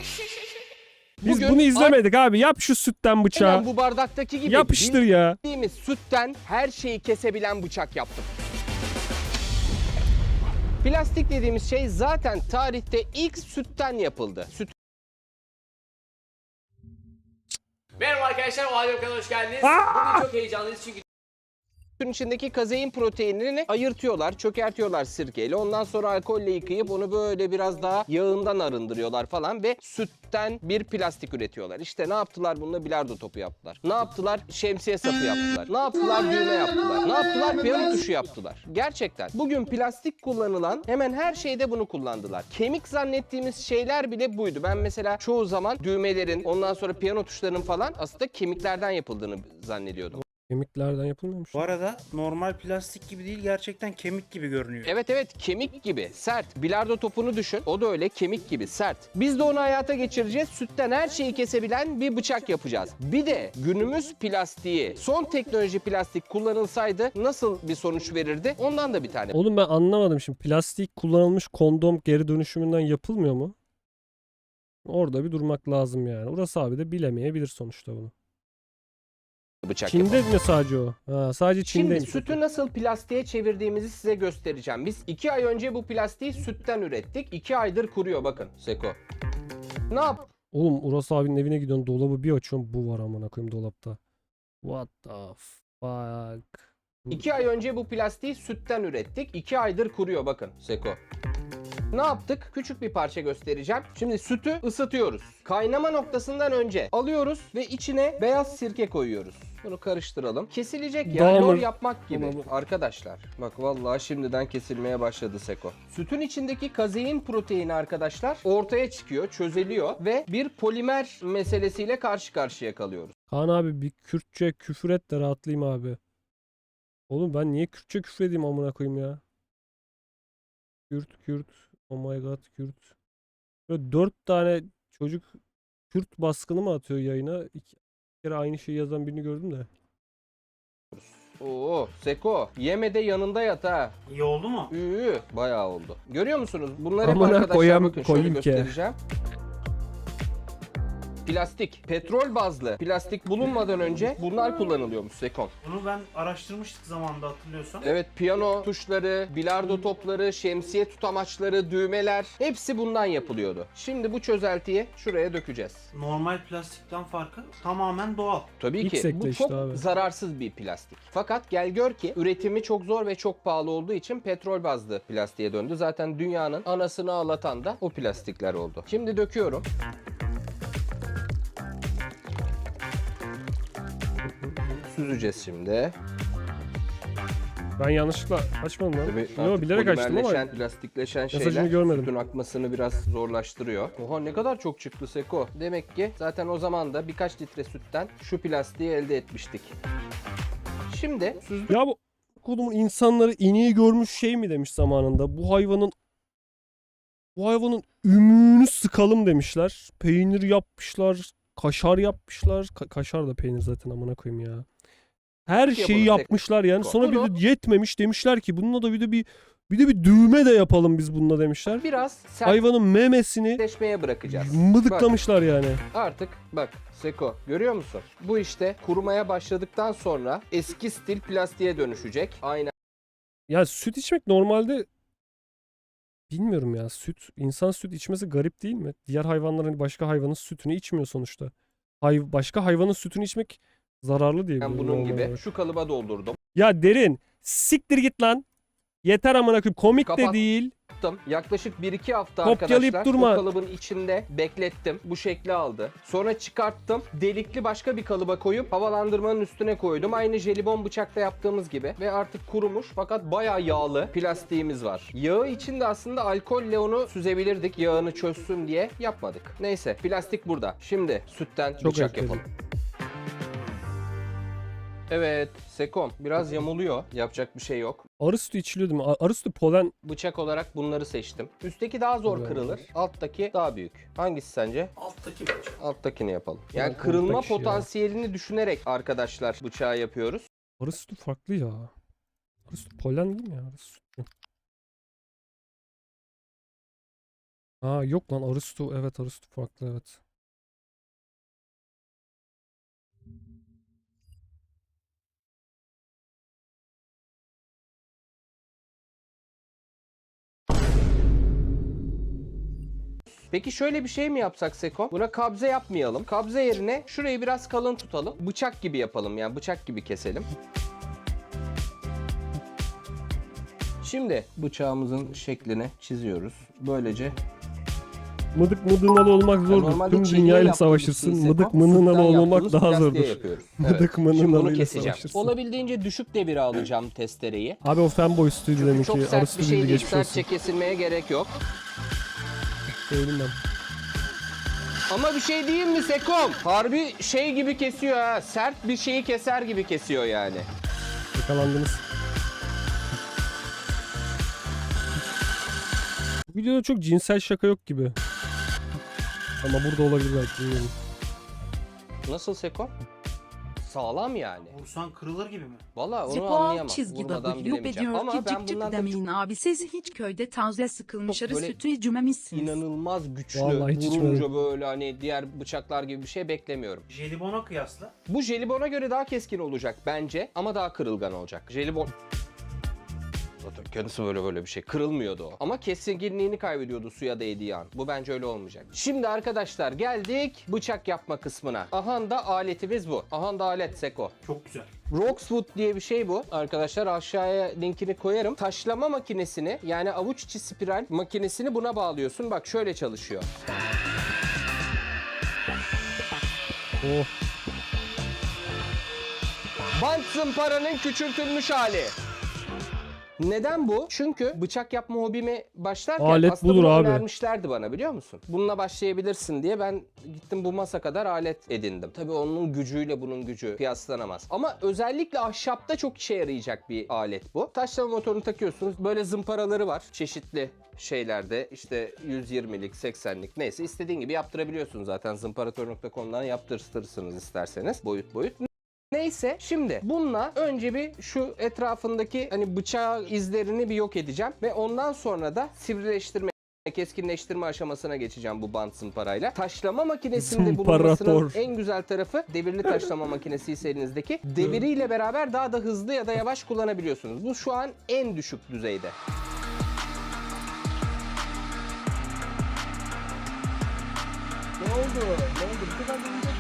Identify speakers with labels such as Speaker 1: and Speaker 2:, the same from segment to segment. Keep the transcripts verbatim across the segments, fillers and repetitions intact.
Speaker 1: Biz
Speaker 2: Bugün
Speaker 1: bunu izlemedik abi. Yap şu sütten bıçağı.
Speaker 2: aynen bu bardaktaki gibi
Speaker 1: Yapıştır ya.
Speaker 2: bildiğimiz sütten her şeyi kesebilen bıçak yaptım. Plastik dediğimiz şey zaten tarihte ilk sütten yapıldı. Süt
Speaker 3: Merhaba arkadaşlar, o halde kanalına hoş geldiniz.
Speaker 1: Aa!
Speaker 3: Bugün çok heyecanlıyız çünkü
Speaker 2: Sütün içindeki kazein proteinini ayırtıyorlar, çökertiyorlar sirkeyle. Ondan sonra alkolle yıkayıp onu böyle biraz daha yağından arındırıyorlar falan ve sütten bir plastik üretiyorlar. İşte ne yaptılar bununla? Bilardo topu yaptılar. Ne yaptılar? Şemsiye sapı yaptılar. Ne yaptılar? Düğme yaptılar. Ne yaptılar? Piyano tuşu yaptılar. Gerçekten. Bugün plastik kullanılan hemen her şeyde bunu kullandılar. Kemik zannettiğimiz şeyler bile buydu. Ben mesela çoğu zaman düğmelerin, ondan sonra piyano tuşlarının falan aslında kemiklerden yapıldığını zannediyordum.
Speaker 1: Kemiklerden yapılmıyormuş.
Speaker 4: Bu arada normal plastik gibi değil, gerçekten kemik gibi görünüyor.
Speaker 2: Evet evet, kemik gibi sert. Bilardo topunu düşün. O da öyle kemik gibi sert. Biz de onu hayata geçireceğiz. Sütten her şeyi kesebilen bir bıçak yapacağız. Bir de günümüz plastiği, son teknoloji plastik kullanılsaydı nasıl bir sonuç verirdi? Ondan da bir tane.
Speaker 1: Oğlum ben anlamadım şimdi. Plastik kullanılmış kondom geri dönüşümünden yapılmıyor mu? Orada bir durmak lazım yani. Urası abi de bilemeyebilir sonuçta bunu.
Speaker 2: Bıçak
Speaker 1: Çin'de
Speaker 2: yapalım.
Speaker 1: mi sadece o? Ha, sadece
Speaker 2: Şimdi
Speaker 1: Çin'deymiş.
Speaker 2: sütü nasıl plastiğe çevirdiğimizi size göstereceğim. Biz iki ay önce bu plastiği sütten ürettik. iki aydır kuruyor bakın Seko. Ne yap?
Speaker 1: Oğlum Uras abinin evine gidiyorsun, dolabı bir açıyorsun, bu var amına koyayım dolapta. What the fuck?
Speaker 2: İki ay önce bu plastiği sütten ürettik. İki aydır kuruyor bakın Seko. Ne yaptık? Küçük bir parça göstereceğim. Şimdi sütü ısıtıyoruz. Kaynama noktasından önce alıyoruz ve içine beyaz sirke koyuyoruz. Bunu karıştıralım. Kesilecek ya.
Speaker 1: Damır.
Speaker 2: Lor yapmak gibi.
Speaker 1: Damır.
Speaker 2: Arkadaşlar bak vallahi şimdiden kesilmeye başladı Seko. Sütün içindeki kazein proteini arkadaşlar ortaya çıkıyor, çözeliyor ve bir polimer meselesiyle karşı karşıya kalıyoruz.
Speaker 1: Kaan abi bir Kürtçe küfür et de rahatlayayım abi. Oğlum ben niye Kürtçe küfür edeyim amına koyayım ya? Kürt Kürt. Oh my god Kürt. Böyle dört tane çocuk Kürt baskını mı atıyor yayına? İki kere aynı şeyi yazan birini gördüm de.
Speaker 2: Oo Seko yeme de yanında yat ha.
Speaker 4: İyi oldu mu?
Speaker 2: Üü, bayağı oldu. Görüyor musunuz? Bunları hep
Speaker 1: Amına
Speaker 2: arkadaşlar
Speaker 1: koyam-
Speaker 2: bakın şöyle
Speaker 1: koyayım ki.
Speaker 2: göstereceğim. Plastik, petrol bazlı plastik bulunmadan önce bunlar kullanılıyormuş Sekon.
Speaker 4: Bunu ben araştırmıştık zamanında, hatırlıyorsan.
Speaker 2: Evet, piyano tuşları, bilardo topları, şemsiye tutamaçları, düğmeler hepsi bundan yapılıyordu. Şimdi bu çözeltiyi şuraya dökeceğiz.
Speaker 4: Normal plastikten farkı tamamen doğal.
Speaker 2: Tabii
Speaker 1: İlk
Speaker 2: ki
Speaker 1: sekte
Speaker 2: bu
Speaker 1: işte
Speaker 2: çok
Speaker 1: abi.
Speaker 2: zararsız bir plastik. Fakat gel gör ki üretimi çok zor ve çok pahalı olduğu için petrol bazlı plastiğe döndü. Zaten dünyanın anasını ağlatan da o plastikler oldu. Şimdi döküyorum. Süzeceğiz şimdi.
Speaker 1: Ben yanlışlıkla açmadım lan.
Speaker 2: Tabii
Speaker 1: Yo,
Speaker 2: artık
Speaker 1: bilerek açtım ama.
Speaker 2: polimerleşen, plastikleşen
Speaker 1: Mesajını
Speaker 2: şeyler
Speaker 1: görmedim.
Speaker 2: sütün akmasını biraz zorlaştırıyor. Oha ne kadar çok çıktı Seko. Demek ki zaten o zaman da birkaç litre sütten şu plastiği elde etmiştik. Şimdi süzdük.
Speaker 1: Ya bu kodumun insanları ineği görmüş şey mi demiş zamanında. Bu hayvanın bu hayvanın ümüğünü sıkalım demişler. Peynir yapmışlar. Kaşar yapmışlar. Ka- kaşar da peynir zaten amına koyayım ya. Her
Speaker 2: Yapalım,
Speaker 1: şeyi
Speaker 2: tek-
Speaker 1: yapmışlar yani. Sonra bir
Speaker 2: Bunu-
Speaker 1: de yetmemiş demişler ki bununla da bir de bir bir de bir düğme de yapalım biz bununla demişler.
Speaker 2: Biraz
Speaker 1: Hayvanın memesini
Speaker 2: sertleşmeye bırakacağız.
Speaker 1: mıdıklamışlar yani.
Speaker 2: Artık bak Seko görüyor musun? Bu işte kurumaya başladıktan sonra eski stil plastiğe dönüşecek. Aynen.
Speaker 1: Ya süt içmek normalde bilmiyorum ya. Süt, insan süt içmesi garip değil mi? Diğer hayvanların hani başka hayvanın sütünü içmiyor sonuçta. Hay başka hayvanın sütünü içmek zararlı diye biliyorum
Speaker 2: bunun
Speaker 1: normal
Speaker 2: gibi
Speaker 1: olarak.
Speaker 2: şu kalıba doldurdum.
Speaker 1: Ya derin, siktir git lan. Yeter amına koyayım. Komik de
Speaker 2: Kapat.
Speaker 1: değil.
Speaker 2: Yaptım. Yaklaşık bir iki hafta
Speaker 1: Kopyalayıp
Speaker 2: arkadaşlar
Speaker 1: durma.
Speaker 2: o kalıbın içinde beklettim. Bu şekli aldı. Sonra çıkarttım. Delikli başka bir kalıba koyup havalandırmanın üstüne koydum. Aynı jelibon bıçakta yaptığımız gibi. Ve artık kurumuş fakat bayağı yağlı plastiğimiz var. Yağı içinde aslında alkolle onu süzebilirdik. Yağını çözsün diye yapmadık. Neyse plastik burada. Şimdi sütten
Speaker 1: Çok
Speaker 2: bıçak
Speaker 1: özledim.
Speaker 2: yapalım. Evet, Sekom biraz yamuluyor. Yapacak bir şey yok.
Speaker 1: Arı sütü içiliyor değil mi? A- Arı sütü polen.
Speaker 2: Bıçak olarak bunları seçtim. Üstteki daha zor
Speaker 1: Güzel.
Speaker 2: kırılır. Alttaki daha büyük. Hangisi sence?
Speaker 4: Alttaki bıçak.
Speaker 2: Alttakini yapalım. Yani
Speaker 1: Yani
Speaker 2: kırılma
Speaker 1: alttaki ya.
Speaker 2: potansiyelini düşünerek arkadaşlar bıçağı yapıyoruz.
Speaker 1: Arı sütü farklı ya. Arı sütü polen değil mi ya? Arı sütü. Aa yok lan Aristo. Evet Aristo farklı evet.
Speaker 2: Peki şöyle bir şey mi yapsak Seko? Buna kabze yapmayalım. Kabze yerine şurayı biraz kalın tutalım. Bıçak gibi yapalım, yani bıçak gibi keselim. Şimdi bıçağımızın şeklini çiziyoruz. Böylece
Speaker 1: Mıdık mıdığınalı olmak zordur.
Speaker 2: normalde
Speaker 1: Tüm
Speaker 2: çeliğe
Speaker 1: dünyayla
Speaker 2: yaptığımız
Speaker 1: savaşırsın.
Speaker 2: şeyi
Speaker 1: Mıdık
Speaker 2: Seko,
Speaker 1: mıdığınalı
Speaker 2: sütten
Speaker 1: olmak
Speaker 2: yaptığımız
Speaker 1: daha
Speaker 2: plastiğe
Speaker 1: zordur.
Speaker 2: yapıyoruz.
Speaker 1: Mıdık
Speaker 2: Evet. Şimdi bunu
Speaker 1: mıdığınalıyla
Speaker 2: keseceğim.
Speaker 1: savaşırsın.
Speaker 2: Olabildiğince düşük devire alacağım testereyi.
Speaker 1: Abi o fanboy stüdyo
Speaker 2: Çünkü
Speaker 1: demek
Speaker 2: çok
Speaker 1: ki.
Speaker 2: sert
Speaker 1: Aristo
Speaker 2: bir şey
Speaker 1: bildi
Speaker 2: değil.
Speaker 1: geçmiş olsun.
Speaker 2: Sertçe kesilmeye gerek yok.
Speaker 1: Söyleyeyim ben.
Speaker 2: Ama bir şey diyeyim mi Sekom? Harbi şey gibi kesiyor ha. Sert bir şeyi keser gibi kesiyor yani.
Speaker 1: Yakalandınız. Bu videoda çok cinsel şaka yok gibi. Ama burada olabilir belki bilmiyorum.
Speaker 2: Nasıl Sekom? Sağlam yani.
Speaker 4: Vursan kırılır gibi mi?
Speaker 2: Vallahi onu
Speaker 5: Spor
Speaker 2: anlayamam.
Speaker 5: çizgi
Speaker 2: Vurmadan
Speaker 5: W
Speaker 2: bilemeyeceğim.
Speaker 5: diyor
Speaker 2: Ama
Speaker 5: ki
Speaker 2: ben
Speaker 5: cık cık
Speaker 2: bundan tabii
Speaker 5: demeyin abi siz hiç köyde taze sıkılmış
Speaker 2: Çok
Speaker 5: arı
Speaker 2: böyle
Speaker 5: sütü içmemişsiniz.
Speaker 2: inanılmaz güçlü,
Speaker 1: Vallahi hiç
Speaker 2: vurunca
Speaker 1: içmedim.
Speaker 2: böyle hani diğer bıçaklar gibi bir şey beklemiyorum.
Speaker 4: Jelibona kıyasla.
Speaker 2: Bu jelibona göre daha keskin olacak bence ama daha kırılgan olacak. Jelibon... Zaten kendisi böyle böyle bir şey. Kırılmıyordu o. Ama keskinliğini kaybediyordu suya değdiği an. Bu bence öyle olmayacak. Şimdi arkadaşlar geldik bıçak yapma kısmına. Aha da aletimiz bu. Aha da alet Seko.
Speaker 4: Çok güzel.
Speaker 2: Roxwood diye bir şey bu. Arkadaşlar aşağıya linkini koyarım. Taşlama makinesini yani avuç içi spiral makinesini buna bağlıyorsun. Bak şöyle çalışıyor.
Speaker 1: Oh.
Speaker 2: Bant zımparanın küçültülmüş hali. Neden bu? Çünkü bıçak yapma hobimi başlarken
Speaker 1: Alet
Speaker 2: aslında
Speaker 1: budur
Speaker 2: bunu
Speaker 1: abi.
Speaker 2: önermişlerdi bana biliyor musun? Bununla başlayabilirsin diye ben gittim bu masa kadar alet edindim. Tabii onun gücüyle bunun gücü kıyaslanamaz. Ama özellikle ahşapta çok işe yarayacak bir alet bu. Taşlama motorunu takıyorsunuz. Böyle zımparaları var. Çeşitli şeylerde işte yüz yirmilik, seksenlik neyse istediğin gibi yaptırabiliyorsun zaten. zımparator nokta com'dan yaptırtırsınız isterseniz boyut boyut. Neyse şimdi bununla önce bir şu etrafındaki hani bıçağı izlerini bir yok edeceğim ve ondan sonra da sivrileştirme keskinleştirme aşamasına geçeceğim bu bant zımparayla. Taşlama makinesinde bulunmasının
Speaker 1: Zımparator.
Speaker 2: en güzel tarafı devirli taşlama makinesi ise elinizdeki deviriyle beraber daha da hızlı ya da yavaş kullanabiliyorsunuz. Bu şu an en düşük düzeyde. Ne oldu? Ne oldu? Bu kadar dönecek.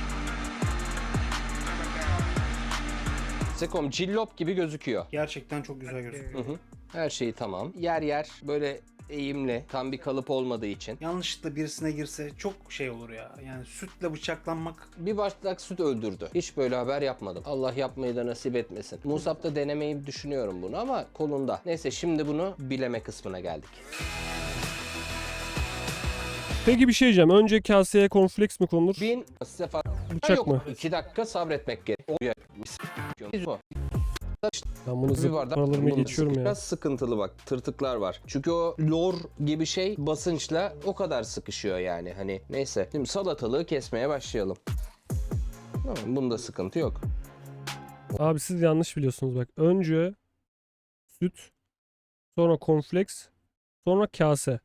Speaker 2: Sekom cillop gibi gözüküyor.
Speaker 4: Gerçekten çok güzel gözüküyor.
Speaker 2: Hı hı. Her şeyi tamam. Yer yer böyle eğimli, tam bir kalıp olmadığı için.
Speaker 4: Yanlışlıkla birisine girse çok şey olur ya. Yani sütle bıçaklanmak.
Speaker 2: Bir bardak süt öldürdü. Hiç böyle haber yapmadım. Allah yapmayı da nasip etmesin. Musab'da denemeyi düşünüyorum bunu ama kolunda. Neyse şimdi bunu bileme kısmına geldik.
Speaker 1: Peki bir şey diyeceğim. Önce kaseye cornflakes mi konulur?
Speaker 2: Bin sefer
Speaker 1: Bıçak
Speaker 2: yok.
Speaker 1: mı?
Speaker 2: İki dakika sabretmek gerek.
Speaker 1: Ben bunu
Speaker 2: Bir
Speaker 1: zıp
Speaker 2: bardak
Speaker 1: paralarıma
Speaker 2: bunun
Speaker 1: geçiyorum ya.
Speaker 2: Biraz sıkıntılı bak, tırtıklar var. Çünkü o lor gibi şey basınçla o kadar sıkışıyor yani. Hani neyse. Şimdi salatalığı kesmeye başlayalım. Tamam, bunda sıkıntı yok.
Speaker 1: Abi siz yanlış biliyorsunuz bak. Önce süt, sonra cornflakes, sonra kase.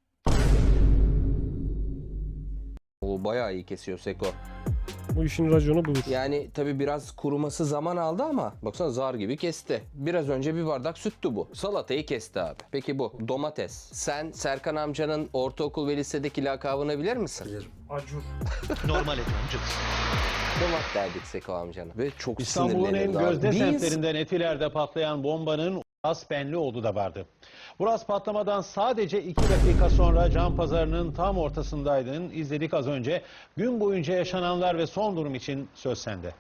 Speaker 2: O bayağı iyi kesiyor Seko.
Speaker 1: Bu işin raconu budur.
Speaker 2: Yani tabii biraz kuruması zaman aldı ama baksana zar gibi kesti. Biraz önce bir bardak süttü bu. Salatayı kesti abi. Peki bu domates. Sen Serkan amcanın ortaokul ve lisedeki lakabını bilir misin? Bilirim.
Speaker 4: Acur.
Speaker 6: Normal ediyorum canım.
Speaker 2: Domat derdik Seko amcana. Ve çok
Speaker 7: İstanbul'un en
Speaker 2: sinirlenirdi abi.
Speaker 7: gözde
Speaker 2: Biz-
Speaker 7: semtlerinden Etiler'de patlayan bombanın Uras Benlioğlu da vardı. Uras patlamadan sadece iki dakika sonra Can Pazarı'nın tam ortasındaydın. İzledik az önce. Gün boyunca yaşananlar ve son durum için söz sende.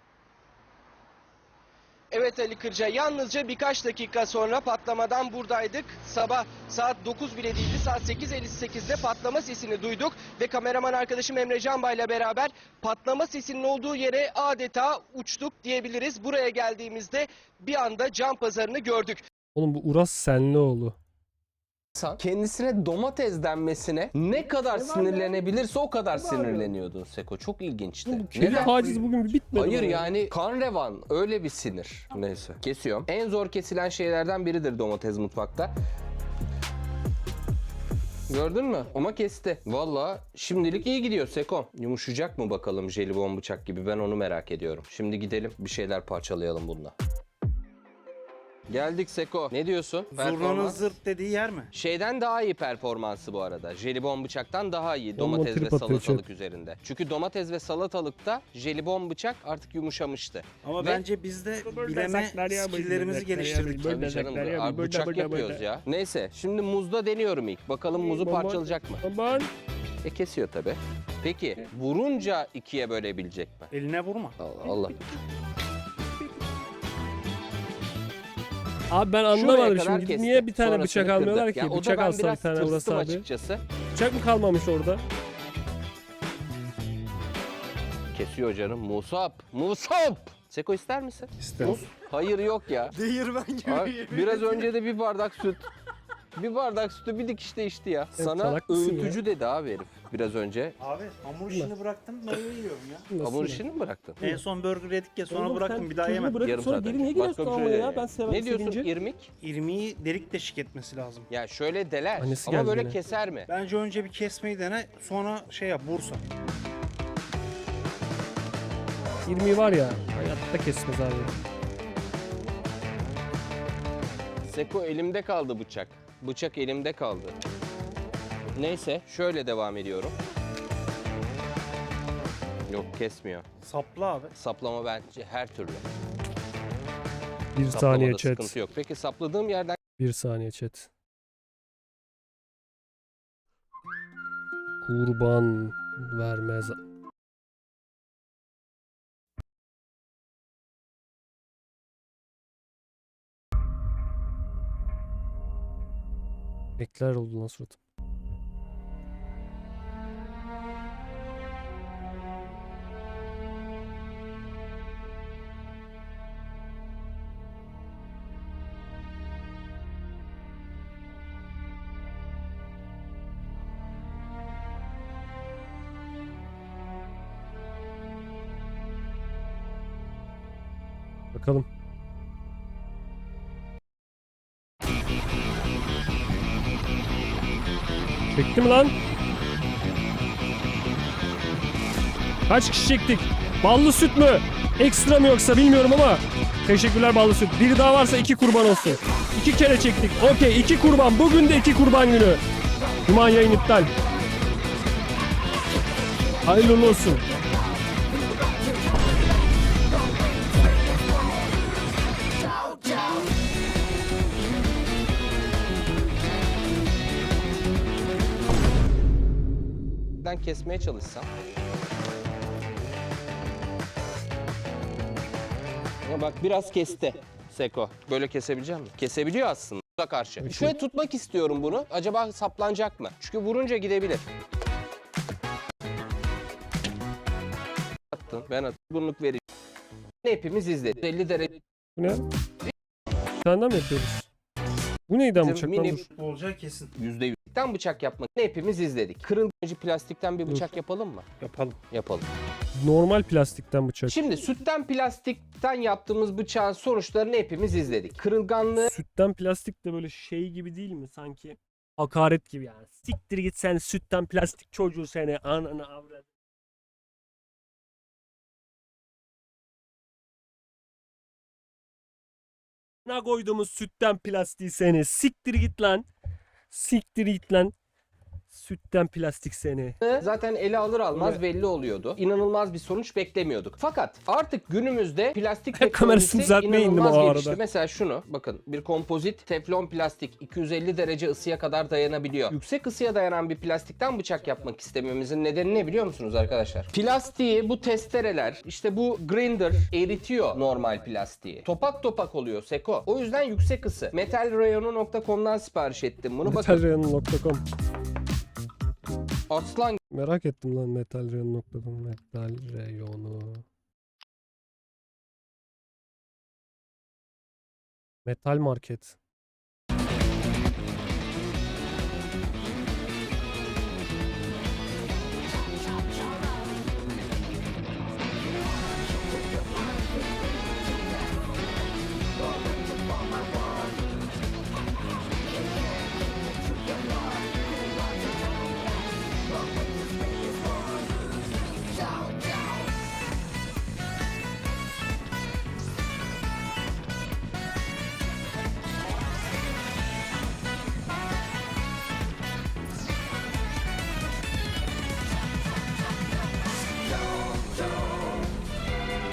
Speaker 2: Evet Ali Kırca, yalnızca birkaç dakika sonra patlamadan buradaydık. Sabah saat dokuz bile değildi, saat sekiz elli sekizde patlama sesini duyduk ve kameraman arkadaşım Emre Canbay ile beraber patlama sesinin olduğu yere adeta uçtuk diyebiliriz. Buraya geldiğimizde bir anda Can Pazarı'nı gördük.
Speaker 1: Oğlum bu Uras Senlioğlu.
Speaker 2: Kendisine domates denmesine ne kadar sinirlenebilirse o kadar sinirleniyordun Seko. Çok ilginçti.
Speaker 1: Bu kedi taciz bugün bir bitmedi.
Speaker 2: Hayır
Speaker 1: mi?
Speaker 2: yani kan revan öyle bir sinir. Neyse kesiyorum. En zor kesilen şeylerden biridir domates mutfakta. Gördün mü? Ama kesti. Valla şimdilik iyi gidiyor Seko. Yumuşayacak mı bakalım jelibon bıçak gibi, ben onu merak ediyorum. Şimdi gidelim bir şeyler parçalayalım bununla. Geldik Seko. Ne diyorsun?
Speaker 4: Zurnanın
Speaker 2: Performans.
Speaker 4: zırt dediği yer mi?
Speaker 2: Şeyden daha iyi performansı bu arada. Jelibon bıçaktan daha iyi
Speaker 1: Bomba
Speaker 2: domates ve
Speaker 1: trip atıyor
Speaker 2: salatalık
Speaker 1: chat.
Speaker 2: üzerinde. Çünkü domates ve salatalıkta jelibon bıçak artık yumuşamıştı.
Speaker 4: Ama
Speaker 2: Ve-
Speaker 4: bence biz de bileme skilllerimizi geliştirdik.
Speaker 2: Tabii canım, abi bıçak yapıyoruz ya. Neyse şimdi muzda deniyorum ilk. Bakalım muzu
Speaker 1: Bomba-
Speaker 2: parçalayacak mı?
Speaker 1: Aman.
Speaker 2: E kesiyor tabi. Peki vurunca ikiye bölebilecek mi?
Speaker 4: Eline vurma.
Speaker 2: Allah Allah.
Speaker 1: Abi ben
Speaker 2: Şuraya
Speaker 1: anlamadım
Speaker 2: kadar
Speaker 1: şimdi.
Speaker 2: kesti.
Speaker 1: Niye bir tane
Speaker 2: Sonrasını
Speaker 1: bıçak
Speaker 2: kırdı.
Speaker 1: almıyorlar ki?
Speaker 2: Ya o da
Speaker 1: Bıçak
Speaker 2: ben
Speaker 1: alsa bir
Speaker 2: biraz
Speaker 1: tane burası
Speaker 2: tırstım
Speaker 1: abi.
Speaker 2: açıkçası.
Speaker 1: Bıçak mı kalmamış orada?
Speaker 2: Kesiyor canım. Musab. Musab. Seko ister misin?
Speaker 1: İsterim.
Speaker 2: Hayır yok ya.
Speaker 4: Değirmen gibi.
Speaker 2: Abi, biraz önce de bir bardak süt. Bir bardak sütü bir dikişte içti ya. Sana
Speaker 1: salak mısın
Speaker 2: öğütücü dedi abi herif biraz önce.
Speaker 4: Abi hamur işini bıraktım, meyve yiyorum ya.
Speaker 1: Nasıl
Speaker 2: Hamur
Speaker 1: ya?
Speaker 2: işini mi bıraktın?
Speaker 4: En son burger yedik ya, sonra
Speaker 1: Oğlum
Speaker 4: bıraktım,
Speaker 1: sen
Speaker 4: bir daha
Speaker 1: çocuğu
Speaker 4: yemedim.
Speaker 1: bırakıp
Speaker 2: Yarım
Speaker 1: sonra
Speaker 2: saat
Speaker 1: geri
Speaker 2: önce.
Speaker 1: niye
Speaker 2: Başka
Speaker 1: giriyorsun
Speaker 2: bir
Speaker 1: amına
Speaker 2: şey
Speaker 1: ya?
Speaker 2: yani.
Speaker 1: Ben severim
Speaker 2: Ne diyorsun
Speaker 1: sevince.
Speaker 2: irmik?
Speaker 4: İrmiği delik deşik etmesi lazım.
Speaker 2: Ya şöyle deler
Speaker 1: Annesi
Speaker 2: ama
Speaker 1: geldi
Speaker 2: böyle
Speaker 1: yine.
Speaker 2: keser mi?
Speaker 4: Bence önce bir kesmeyi dene, sonra şey yap, Bursa.
Speaker 1: İrmiği var ya. Hayatta kesmez abi.
Speaker 2: Seko elimde kaldı bıçak. Bıçak elimde kaldı. Neyse şöyle devam ediyorum. Yok kesmiyor.
Speaker 4: Sapla abi.
Speaker 2: Saplama bence her türlü.
Speaker 1: Bir
Speaker 2: Saplamada
Speaker 1: saniye chat.
Speaker 2: sıkıntı yok. Peki sapladığım yerden
Speaker 1: Bir saniye chat. Kurban vermez. Ekler oldu lan suratım. Bakalım. Çekti mi lan? Kaç kişi çektik? Ballı süt mü? Ekstra mı yoksa bilmiyorum ama. Teşekkürler ballı süt. Biri daha varsa iki kurban olsun. İki kere çektik. Okey, iki kurban. Bugün de iki kurban günü. Cuma yayın iptal. Hayırlı uğurlu olsun.
Speaker 2: kesmeye çalışsam. Ya bak biraz kesti Seko. Böyle kesebilecek misin? Kesebiliyor aslında karşı. Şöyle tutmak istiyorum bunu. Acaba saplanacak mı? Çünkü vurunca gidebilir. Attın. Ben attım. Bunluk vereceğim. Hepimiz izledik. elli derece.
Speaker 1: Bu ne? Senden mi yapıyoruz? Bu neydi ama bıçak lan
Speaker 2: Mini-
Speaker 1: dur.
Speaker 4: Olacağı kesin.
Speaker 2: yüzde yüzden bıçak yapmak hepimiz izledik. Kırılmacı plastikten bir bıçak yapalım mı?
Speaker 4: Yapalım.
Speaker 2: Yapalım.
Speaker 1: Normal plastikten bıçak.
Speaker 2: Şimdi sütten plastikten yaptığımız bıçağın sonuçlarını hepimiz izledik. Kırılganlığı
Speaker 1: Sütten plastik de böyle şey gibi değil mi sanki? Hakaret gibi yani. Siktir git sen sütten plastik çocuğu seni. Ananı avradı. Ne koyduğumuz sütten plastiği seni. Siktir git lan. Siktir git lan. Sütten plastik seni.
Speaker 2: zaten ele alır almaz
Speaker 1: Evet.
Speaker 2: belli oluyordu. İnanılmaz bir sonuç beklemiyorduk. Fakat artık günümüzde plastik
Speaker 1: Hep kamerasını
Speaker 2: teknolojisi
Speaker 1: düzeltmeye indim
Speaker 2: inanılmaz
Speaker 1: o arada.
Speaker 2: gelişti. Mesela şunu bakın, bir kompozit teflon plastik iki yüz elli derece ısıya kadar dayanabiliyor. Yüksek ısıya dayanan bir plastikten bıçak yapmak istememizin nedeni ne biliyor musunuz arkadaşlar? Plastiği bu testereler, işte bu grinder eritiyor normal plastiği. Topak topak oluyor Seko. O yüzden yüksek ısı. metalrayonu nokta com'dan sipariş ettim bunu. Bakın
Speaker 1: metalrayonu nokta com.
Speaker 2: aslan
Speaker 1: Merak ettim lan metalrayonu nokta com. Metal reyonu. Metal market.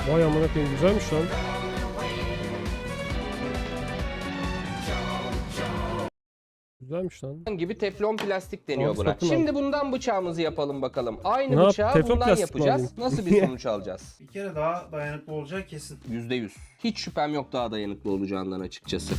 Speaker 1: Vay amına koyayım, güzelmiş lan. Güzelmiş lan.
Speaker 2: gibi teflon plastik deniyor
Speaker 1: Tamam,
Speaker 2: buna.
Speaker 1: satın al.
Speaker 2: Şimdi bundan bıçağımızı yapalım bakalım. Aynı
Speaker 1: Ne yap-
Speaker 2: bıçağı
Speaker 1: teflon
Speaker 2: bundan
Speaker 1: plastik mi
Speaker 2: yapacağız.
Speaker 1: alayım?
Speaker 2: Nasıl bir sonuç alacağız?
Speaker 4: Bir kere daha dayanıklı olacağı kesin.
Speaker 2: yüzde yüz. Hiç şüphem yok daha dayanıklı olacağından açıkçası.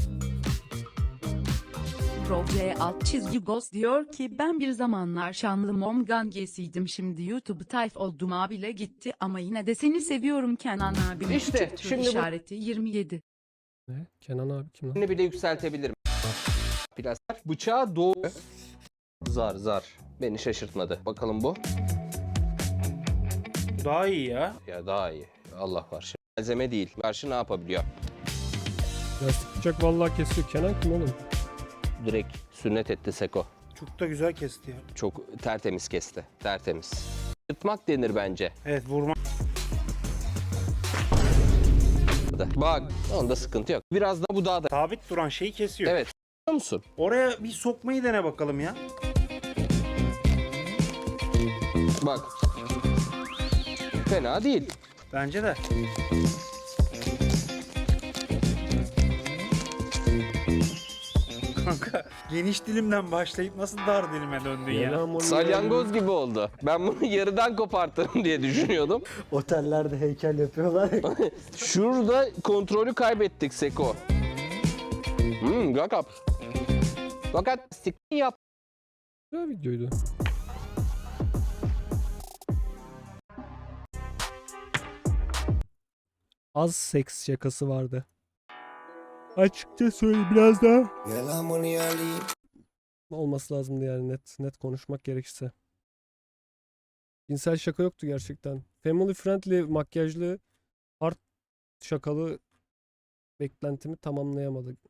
Speaker 5: Proje alt çizgi Ghost diyor ki ben bir zamanlar şanlı mom gangesiydim, şimdi YouTube tayf oldum abile gitti ama yine de seni seviyorum Kenan abim.
Speaker 2: İşte,
Speaker 5: Küçük tür
Speaker 2: şimdi bu-
Speaker 5: işareti yirmi yedi.
Speaker 1: Ne? Kenan abi kim lan?
Speaker 2: Bunu bile yükseltebilirim. Plastik. Bıçağı doğu. Zar zar. Beni şaşırtmadı. Bakalım bu.
Speaker 4: Bu daha iyi ya.
Speaker 2: Ya daha iyi. Allah var. Şimdi malzeme değil. Karşı ne yapabiliyor?
Speaker 1: Plastik bıçak vallahi kesiyor. Kenan kim oğlum?
Speaker 2: Direkt sünnet etti Seko.
Speaker 4: Çok da güzel kesti ya.
Speaker 2: Çok tertemiz kesti. Tertemiz. Yırtmak denir bence.
Speaker 4: Evet, vurma.
Speaker 2: Bak onda sıkıntı yok. Biraz da bu daha da.
Speaker 4: Sabit duran şeyi kesiyor.
Speaker 2: Evet. Biliyor musun?
Speaker 4: Oraya bir sokmayı dene bakalım ya.
Speaker 2: Bak. Fena değil.
Speaker 4: Bence de. Kanka geniş dilimden başlayıp nasıl dar dilime döndün ya?
Speaker 1: Kenan onu
Speaker 2: Salyangoz gibi oldu. Ben bunu yarıdan kopartırım diye düşünüyordum.
Speaker 8: Otellerde heykel yapıyorlar ya.
Speaker 2: Şurada kontrolü kaybettik Seko. Hmm, Gakap. Fakat stik yap.
Speaker 1: Güzel videoydu. Az seks şakası vardı. Açıkça söyle biraz daha. Olması lazımdı yani, net net konuşmak gerekirse. Cinsel şaka yoktu gerçekten. Family friendly makyajlı art şakalı beklentimi tamamlayamadı.